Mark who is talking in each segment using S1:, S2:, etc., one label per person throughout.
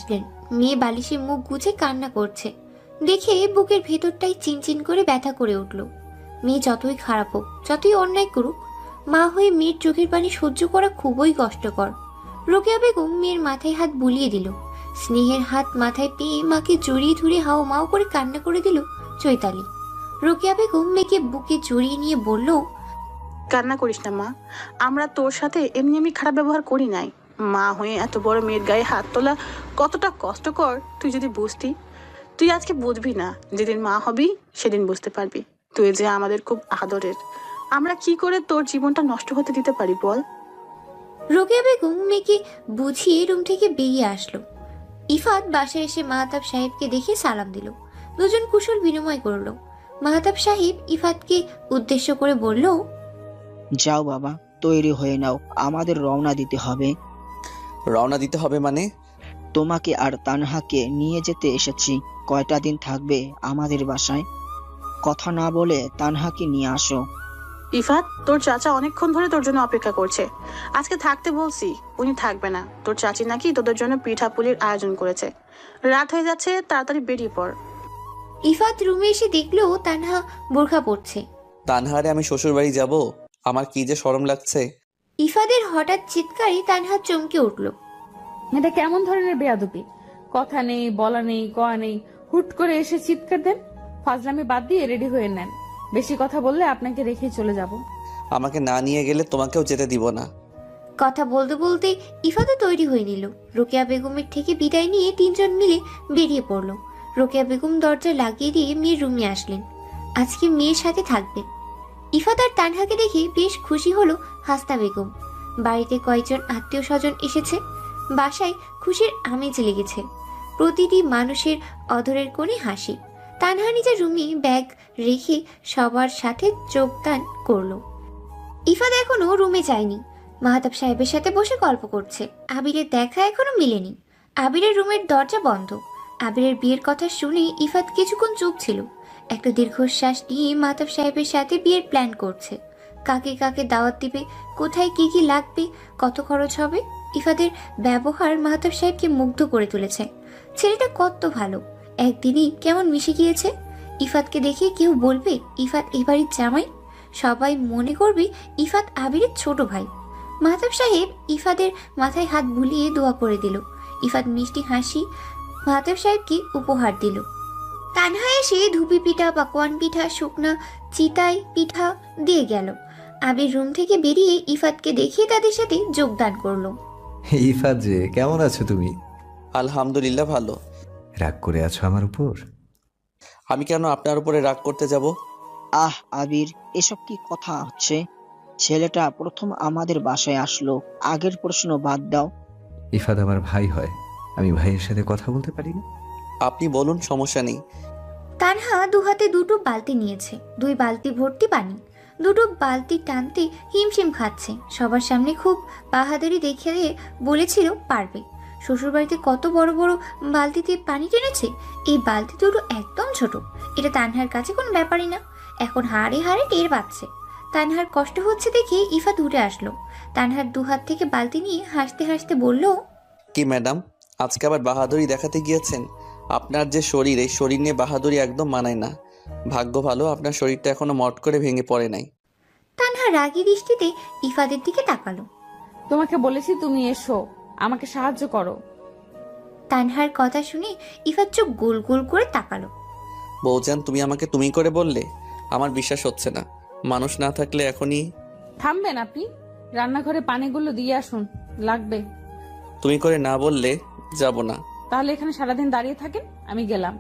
S1: আসলেন। মেয়ে বালিশে মুখ গুজে কান্না করছে দেখে বুকের ভেতরটাই চিনচিন করে ব্যথা করে উঠল। মেয়ে যতই খারাপ হোক, যতই অন্যায় করুক, মা হয়ে মেয়ের চোখের পানি সহ্য করা খুবই কষ্টকর। রোকেয়া বেগম মেয়ের মাথায় হাত বুলিয়ে দিল। স্নেহের হাত মাথায় পেয়ে মাকে জড়িয়ে ধরে হাও মাও করে কান্না করে দিল চৈতালি। রোকেয়া বেগম মেয়েকে বুকে জড়িয়ে নিয়ে বলল,
S2: কান্না করিস না মা, আমরা তোর সাথে এমনি আমি খারাপ ব্যবহার করি নাই। মা হয়ে এত বড় মেয়ের গায়ে হাত তোলা কতটা কষ্টকর তুই যদি বুঝতি। তুই আজকে বুঝবি না, যেদিন মা হবি সেদিন বুঝতে পারবি তুই যে আমাদের খুব আদরের। আমরা কি করে তোর জীবনটা নষ্ট হতে দিতে পারি বল।
S1: রোকেয়া বেগম মেয়েকে বুঝিয়ে রুম থেকে বেরিয়ে আসলো। ইফাত বাসায় এসে মাহতাব সাহেবকে দেখে সালাম দিল। দুজন কুশল বিনিময় করলো। মাহতাব সাহেব ইফাতকে উদ্দেশ্য করে বলল,
S3: যাও বাবা, তৈরি হয়ে নাও, আমাদের রওনা দিতে হবে।
S4: রওনা দিতে হবে মানে?
S3: তোমাকে আর তানহাকে নিয়ে যেতে এসেছি। কয়টা দিন থাকবে আমাদের বাসায়? কথা না বলে তানহাকে নিয়ে আসো।
S2: ইফাত, তোর চাচা অনেকক্ষণ ধরে তোর জন্য অপেক্ষা করছে। আজকে থাকতে বলছি, উনি থাকবে না। তোর চাচি নাকি তোদের জন্য পিঠা পুলির আয়োজন করেছে। রাত হয়ে যাচ্ছে, তাড়াতাড়ি বেরিয়ে পড়।
S1: ইফাত রুমে এসে দেখলো তানহা বোরখা পরছে।
S4: তানহারে আমি শ্বশুর বাড়ি যাব? আমার কি যে শরম লাগছে।
S1: ইফাদের হঠাৎ চিৎকারে তানহা চমকে উঠল।
S5: এটা কেমন ধরনের বেয়াদবি? কথা নেই, বলা নেই, কয়া নেই, হুট করে এসে চিৎকার দেন। ফাজলামি বাদ দিয়ে রেডি হয়ে নেন। বেশি কথা বললে আপনাকে রেখে চলে যাব।
S4: আমাকে না নিয়ে গেলে তোমাকেও যেতে দিব না।
S1: কথা বলতে বলতে ইফাতও তৈরি হয়ে নিল। রোকেয়া বেগমের থেকে বিদায় নিয়ে তিনজন মিলে বেরিয়ে পড়ল। রোকেয়া বেগম দরজা লাগিয়ে দিয়ে মেয়ের রুমে আসলেন। আজকে মেয়ের সাথে থাকবেন। ইফাত আর তানহাকে দেখে বেশ খুশি হলো হাসনা বেগম। বাড়িতে কয়েকজন আত্মীয় স্বজন এসেছে। বাসায় খুশির আমেজ লেগেছে। প্রতিটি মানুষের অধরের কোণে হাসি। তানহা নিজের রুমে ব্যাগ রেখে সবার সাথে যোগদান করলো। ইফাত এখনো রুমে যায়নি। মাহতাব সাহেবের সাথে বসে গল্প করছে। আবিরের দেখা এখনো মিলেনি। আবিরের রুমের দরজা বন্ধ। আবিরের বিয়ের কথা শুনে ইফাত কিছুক্ষণ চুপ ছিল। একটা দীর্ঘশ্বাস নিয়ে মাহতাব সাহেবের সাথে বিয়ের প্ল্যান করছে। কাকে কাকে দাওয়াত দিবে, কোথায় কি কি লাগবে, কত খরচ হবে। ইফাদের ব্যবহার মাহতাব সাহেবকে মুগ্ধ করে তুলেছে। ছেলেটা কত ভালো, একদিনই কেমন মিশে গিয়েছে। ইফাতকে দেখে কেউ বলবে ইফাত এ বাড়ির জামাই। সবাই মনে করবে ইফাত আবিরের ছোট ভাই। মাহতাব সাহেব ইফাদের মাথায় হাত বুলিয়ে দোয়া করে দিল। ইফাত মিষ্টি হাসি মাহতাব সাহেবকে উপহার দিল। তানহা এসে ধুপি পিঠা, পাকোয়ান পিঠা, শুকনা চিতাই পিঠা দিয়ে গেল। আবির রুম থেকে বেরিয়ে ইফাতকে দেখিয়ে তাদের সাথে যোগদান করলো।
S6: ইফাত যে, কেমন আছো তুমি?
S4: আলহামদুলিল্লাহ ভালো।
S6: রাগ করে আছো আমার উপর?
S4: আমি কেন আপনার উপরে রাগ করতে যাব?
S3: আহ আবির, এসব কি কথা হচ্ছে? ছেলেটা প্রথম আমাদের বাসায় আসলো, আগের প্রশ্ন বাদ দাও।
S6: ইফাত আমার ভাই হয়, আমি ভাইয়ের সাথে কথা বলতে পারি না?
S4: আপনি বলুন, সমস্যা নেই।
S1: তানহা দু হাতে দুটো বালতি নিয়েছে, 2 বালতি ভর্তি পানি। দুটো বালতি টানতে হিমশিম খাচ্ছে। সবার সামনে খুব বাহাদুরি দেখিয়ে বলেছিল পারবে। শ্বশুরবাড়িতে কত বড় বড় বালতিতে পানি টেনেছে, এই বালতি দুটো একদম ছোট। এটা তানহার কাছে কোনো ব্যাপারই না। এখন হাড়ে হাড়ে টের পাচ্ছে। তানহার কষ্ট হচ্ছে দেখে ইফাত উঠে আসলো। তানহার 2 হাত থেকে বালতি নিয়ে হাসতে হাসতে বলল,
S4: কি ম্যাডাম, আজকে আবার বাহাদুরি দেখাতে গিয়েছেন? আপনার যে শরীর, এই শরীর নিয়ে বাহাদুরি একদম মানায় না। ভাগ্য ভালো আপনার শরীরটা এখনো মট করে ভেঙে পড়ে নাই।
S1: তানহা রাগী দৃষ্টিতে ইফাদের দিকে তাকালো।
S5: তোমাকে বলেছি তুমি এসো, আমাকে সাহায্য করো।
S1: তানহার কথা শুনে ইফাত চোখ গোল গোল করে তাকালো।
S4: বৌজান, তুমি আমাকে তুমি করে বললে? আমার বিশ্বাস হচ্ছে না। মানুষ না থাকলে এখনই।
S5: থামবেন আপনি? রান্নাঘরে পানিগুলো দিয়ে আসুন, লাগবে।
S4: তুমি করে না বললে যাব না।
S5: তাহলে এখানে সারাদিন দাঁড়িয়ে থাকেন, আমি গেলাম।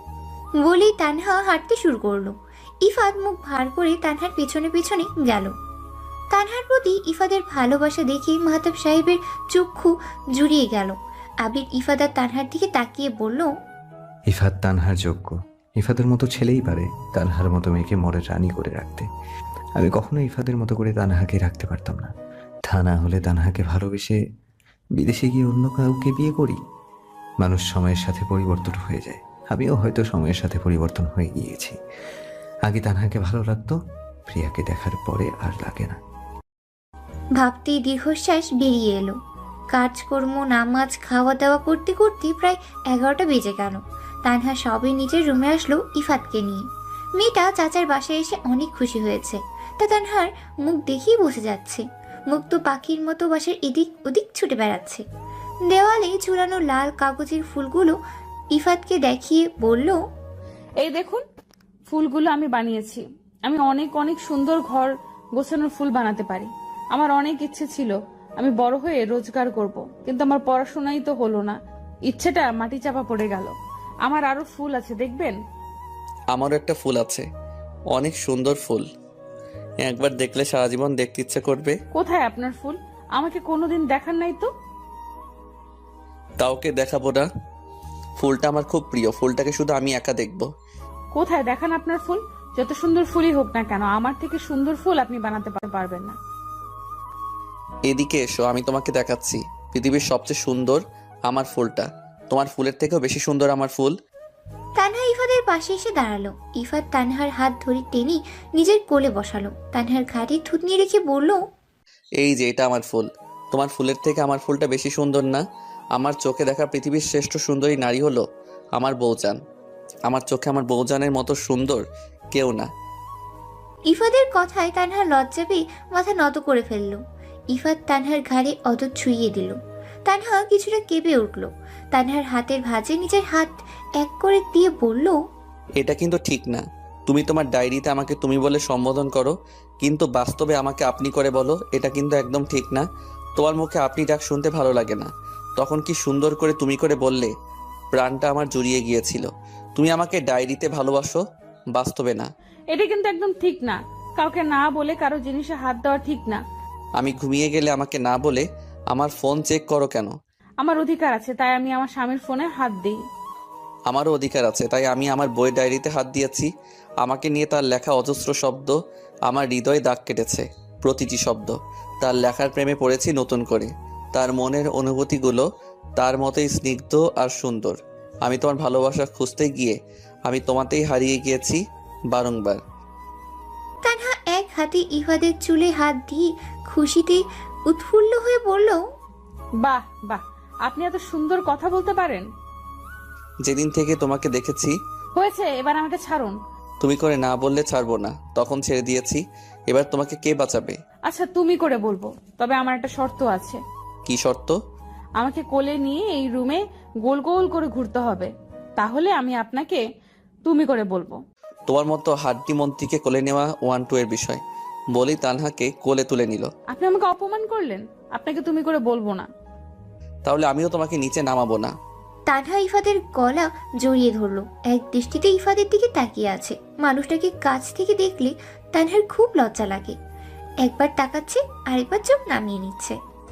S1: বলেই তানহা হাঁটতে শুরু করলো। ইফাত মুখ ভার করে তানহার পেছনে পেছনে গেল। তানহার প্রতি ইফাদের ভালোবাসা দেখে মাহতাব সাহেবের চক্ষু জুড়িয়ে গেল। আবির ইফাত আর তানহার দিকে তাকিয়ে বলল,
S6: ইফাত তানহার যোগ্য। ইফাতের মতো ছেলেই পারে তানহার মতো মেয়েকে মরে রানী করে রাখতে। আমি কখনো ইফাতের মতো করে তানহাকে রাখতে পারতাম না। তা না হলে তানহাকে ভালোবেসে বিদেশে গিয়ে অন্য কাউকে বিয়ে করি। মানুষ সময়ের সাথে পরিবর্তন হয়ে যায়, আমিও হয়তো সময়ের সাথে পরিবর্তন হয়ে গিয়েছি। আগে তানহাকে ভালো লাগতো, প্রিয়াকে দেখার পরে আর লাগে না।
S1: ভাবতেই দীর্ঘশ্বাস বেরিয়ে এলো। কাজকর্ম, নামাজ, খাওয়া দাওয়া করতে করতে প্রায় 11টা বেজে গেল। তানহা সবে নিজের রুমে আসলো ইফাতকে নিয়ে। মেয়েটা চাচার বাসায় এসে অনেক খুশি হয়েছে, তা তানহার মুখ দেখেই বোঝা যাচ্ছে। মুখ তো পাখির মতো বাসার এদিক ওদিক ছুটে বেড়াচ্ছে। দেওয়ালে ঝুলানো লাল কাগজের ফুলগুলো ইফাতকে দেখিয়ে বলল,
S5: এই দেখুন, ফুলগুলো আমি বানিয়েছি। আমি অনেক অনেক সুন্দর ঘর গোছানোর ফুল বানাতে পারি। আমার অনেক ইচ্ছে ছিল আমি বড় হয়ে রোজগার করব, কিন্তু আমার পড়াশোনাই তো হলো না। ইচ্ছেটা মাটি চাপা পড়ে গেল। আমার আরো ফুল আছে, দেখবেন?
S4: আমারও একটা ফুল আছে, অনেক সুন্দর ফুল। একবার দেখলে সারা জীবন দেখতে ইচ্ছে করবে।
S5: কোথায় আপনার ফুল? আমাকে কোনোদিন দেখান নাই তো।
S4: কাউকে দেখাবো না, ফুলটা আমার খুব প্রিয়। ফুলটাকে শুধু আমি একা দেখবো।
S5: কোথায় দেখান আপনার ফুল? যত সুন্দর ফুলই হোক না কেন, আমার থেকে সুন্দর ফুল আপনি বানাতে পারবেন না।
S4: এদিকে এসো, আমি তোমাকে দেখাচ্ছি। পৃথিবীর সবচেয়ে সুন্দর আমার ফুলটা। তোমার ফুলের থেকেও বেশি সুন্দর আমার ফুল।
S1: তানহা ইফাদের পাশে এসে দাঁড়ালো। ইফাত তানহার হাত ধরে টেনে নিজের কোলে বসালো। তানহার ঘাড়ে থুতনি রেখে বলল,
S4: এই যে এটা আমার ফুল। তোমার ফুলের থেকে আমার ফুলটা বেশি সুন্দর না? আমার চোখে দেখা পৃথিবীর শ্রেষ্ঠ সুন্দরী নারী হলো আমার বউজান। আমার চোখে আমার বউজানের মতো সুন্দর কেউ না।
S1: ইফাদের কথায় তানহার লজ্জা পেয়ে মাথা নত করে ফেলল। ইফাত তানহার ঘাড়ে অদর ছুঁইয়ে দিল। তানহা কিছুটা কেঁপে উঠল। তানহার হাতের ভাঁজে নিজের হাত এক করে দিয়ে বলল,
S4: এটা কিন্তু ঠিক না। তুমি তোমার ডায়েরিতে আমাকে তুমি বলে সম্বোধন করো, কিন্তু বাস্তবে আমাকে আপনি করে বলো। এটা কিন্তু একদম ঠিক না। তোমার মুখে আপনি ডাক শুনতে ভালো লাগে না। তখন কি সুন্দর করে তুমি করে বললে, প্রাণটা আমার জুড়িয়ে গিয়েছিল। তুমি আমাকে ডায়েরিতে ভালোবাসো, বাস্তবে না।
S5: এটা কিন্তু একদম ঠিক না। কাউকে না বলে কারো জিনিসে হাত দেওয়া ঠিক না।
S4: আমি ঘুমিয়ে গেলে আমাকে না বলে আমার ফোন চেক করো কেন?
S5: আমার অধিকার আছে, তাই আমি আমার স্বামীর ফোনে হাত দিই।
S4: আমারও অধিকার আছে, তাই আমি আমার বইয়ের ডায়েরিতে হাত দিয়েছি। আমাকে নিয়ে তার লেখা অজস্র শব্দ আমার হৃদয়ে দাগ কেটেছে। প্রতিটি শব্দ তার লেখার প্রেমে পড়েছি নতুন করে। তার মনের অনুভূতিগুলো তার মতোই স্নিগ্ধ আর সুন্দর। আমি তোমার ভালোবাসা খুঁজতে গিয়ে আমি তোমাতেই হারিয়ে গিয়েছি বারংবার।
S1: তানহা এক হাতে ইফাদের চুলে হাত দিয়ে খুশিতে উৎফুল্ল হয়ে বলল,
S5: বাহ বাহ, আপনি এত সুন্দর কথা বলতে পারেন।
S4: যেদিন থেকে তোমাকে দেখেছি।
S5: হয়েছে, এবার আমাকে ছাড়ুন।
S4: তুমি করে না বললে ছাড়বো না, তখন ছেড়ে দিয়েছি। এবার তোমাকে কে বাঁচাবে?
S5: আচ্ছা, তুমি করে বলবো, তবে আমার একটা শর্ত আছে।
S4: কি শর্ত?
S5: আমাকে কোলে নিয়ে এই রুমে গোল গোল করে ঘুরতে হবে, তাহলে আমি আপনাকে তুমি করে বলবো।
S4: তোমার মতো হাড্ডি মন্ত্রীকে কোলে নেওয়া 1-2 এর বিষয়। বলেই তানহাকে কোলে তুলে নিল।
S5: আপনি আমাকে অপমান করলেন, আপনাকে তুমি করে বলবো না।
S4: তাহলে আমিও তোমাকে নিচে নামাবো না।
S1: তানহা ইফাদের গলা জড়িয়ে ধরলো। এক দৃষ্টিতে ইফাদের দিকে তাকিয়ে আছে। মানুষটাকে কাছ থেকে দেখলে তানহার খুব লজ্জা লাগে। একবার তাকাচ্ছে, আরেকবার চোখ নামিয়ে নিচ্ছে।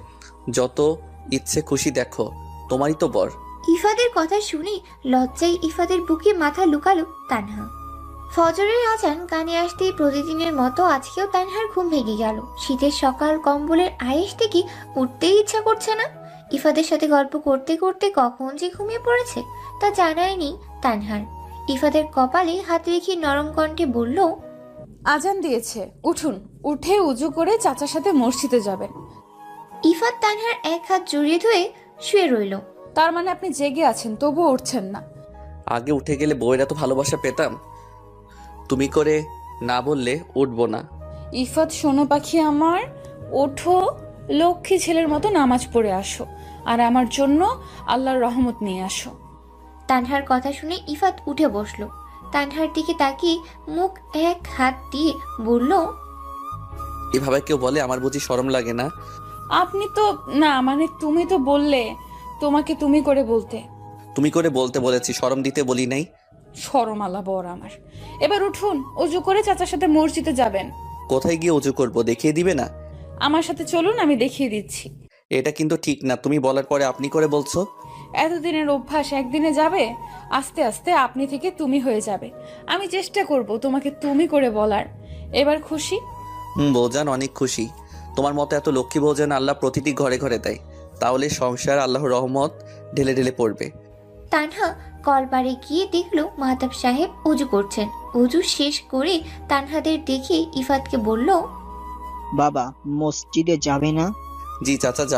S4: যত ইচ্ছে খুশি দেখো, তোমারই তো বর।
S1: ইফাদের কথা শুনে লজ্জায় ইফাদের বুকে মাথা লুকালো তানহা। ফজরের আজান কানে আসতেই প্রতিদিনের মতো আজকেও তানহার ঘুম ভেঙে গেল। শীতের সকাল, কম্বলের আয়েশ থেকে উঠতেই ইচ্ছা করছে না। ইফাদের সাথে গল্প করতে করতে কখন যে ঘুমিয়ে পড়েছে তা জানায়নি তানহার। ইফাদের কপালে হাত রেখে নরম কণ্ঠে বলল,
S5: আজান দিয়েছে, উঠুন। উঠে উজু করে চাচার সাথে মসজিদে যাবেন।
S1: ইফাত তানহার এক হাত জড়িয়ে ধরে শুয়ে রইল।
S5: তার মানে আপনি জেগে আছেন, তবুও উঠছেন না।
S4: আগে উঠে গেলে বউয়ের এত ভালোবাসা পেতাম। তুমি করে না বললে উঠবো না।
S5: ইফাত সোনো পাখি আমার, ওঠো, লক্ষ্মী ছেলের মতো নামাজ পড়ে আসো, আর আমার জন্য আল্লাহর রহমত নিয়ে আসো।
S1: তানহার কথা শুনে ইফাত উঠে বসলো। তানহার দিকে তাকিয়ে মুখ এক হাত দিয়ে বলল,
S4: এভাবে কেউ বলে? আমার বুঝি শরম লাগে না?
S5: আপনি তো না, মানে তুমি তো বললে তোমাকে তুমি করে বলতে।
S4: তুমি করে বলতে বলেছি, শরম দিতে বলি নাই।
S5: শরমালা বর আমার। এবার উঠুন, অজু করে চাচার সাথে মসজিদে যাবেন।
S4: কোথায় গিয়ে উঁচু করবো, দেখিয়ে দিবে না?
S5: আমার সাথে চলুন, আমি দেখিয়ে দিচ্ছি।
S4: এটা কিন্তু ঠিক না, তুমি বলার পরে আপনি করে বলছো।
S5: এতদিনের অভ্যাস একদিনে যাবে? আস্তে আস্তে আপনি থেকে তুমি হয়ে যাবে। আমি চেষ্টা করব তোমাকে তুমি করে বলার। এবার খুশি?
S4: বৌজান অনেক খুশি। তোমার মতো এত লক্ষ্মী বৌজান আল্লাহ প্রতিটি ঘরে ঘরে দেয়, তাহলে সংসার আল্লাহর রহমত ঢেলে ঢেলে পড়বে।
S1: তানহা কলবারে গিয়ে দেখলো মাহতাব সাহেব উজু করছেন। উজু শেষ করে তানহাদের দেখে ইফাতকে বলল,
S3: বাবা, মসজিদে যাবে না?
S4: জি চাচা, যাব।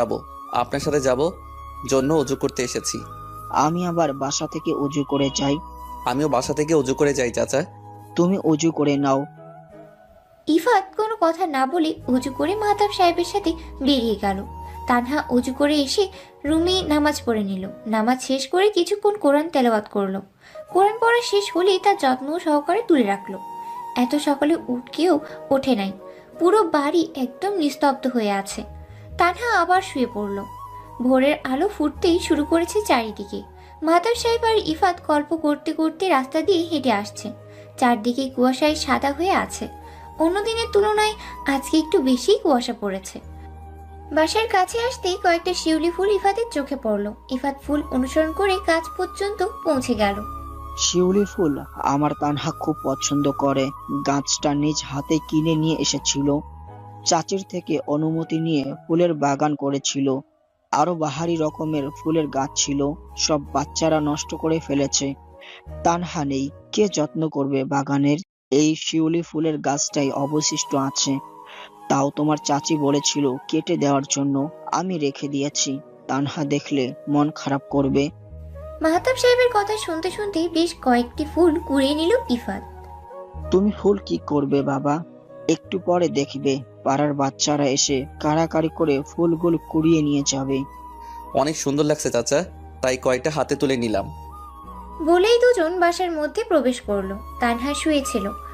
S4: আপনার সাথে যাব জন্য অজু করতে এসেছি।
S3: আমি আবার বাসা থেকে উজু করে যাই।
S4: আমিও বাসা থেকে অজু করে যাই চাচা।
S3: তুমি উজু করে নাও।
S1: ইফাত কোনো কথা না বলে উজু করে মাহতাব সাহেবের সাথে বেরিয়ে গেল। তানহা উজু করে এসে রুমে নামাজ পড়ে নিল। নামাজ শেষ করে কিছুক্ষণ কোরআন তেলাওয়াত করলো। কোরআন পড়া শেষ হলেই তার যত্ন সহকারে তুলে রাখলো। এত সকালে উঠকেও ওঠে নাই। পুরো বাড়ি একদম নিস্তব্ধ হয়ে আছে। তানহা আবার শুয়ে পড়ল। ভোরের আলো ফুটতেই শুরু করেছে চারিদিকে। মাহতাব সাহেব আর ইফাত গল্প করতে করতে রাস্তা দিয়ে হেঁটে আসছে। চারদিকে কুয়াশায় সাদা হয়ে আছে। অন্য দিনের তুলনায় আজকে একটু বেশি কুয়াশা পড়েছে। বাসার কাছে আসতেই কয়েকটা শিউলি ফুল ইফাতের চোখে পড়ল। ইফাত ফুল অনুসরণ করে কাছ পর্যন্ত পৌঁছে গেল।
S3: শিউলি ফুল আমার তানহা খুব পছন্দ করে। গাছটা নিজ হাতে কিনে নিয়ে এসেছিল। চাচির থেকে অনুমতি নিয়ে ফুলের বাগান করেছিল। আরো বাহারি রকমের ফুলের গাছ ছিল, সব বাচ্চারা নষ্ট করে ফেলেছে। তানহা নেই, কে যত্ন করবে বাগানের? এই শিউলি ফুলের গাছটাই অবশিষ্ট আছে। তাও তোমার চাচি বলেছিল কেটে দেওয়ার জন্য, আমি রেখে দিয়েছি। তানহা দেখলে মন খারাপ করবে।
S1: মাহতাব সাহেবের কথা শুনতে শুনতে বেশ কয়েকটি ফুল কুড়িয়ে নিল ইফাত।
S3: তুমি ফুল কি করবে বাবা? একটু পরে দেখবে পাড়ার বাচ্চারা এসে কাড়াকাড়ি করে ফুলগুলো কুড়িয়ে নিয়ে যাবে।
S4: অনেক সুন্দর লাগছে চাচা, তাই কয়টা হাতে তুলে নিলাম।
S1: বলেই দুজন বাসার মধ্যে প্রবেশ করলো। তানহা শুয়েছিল।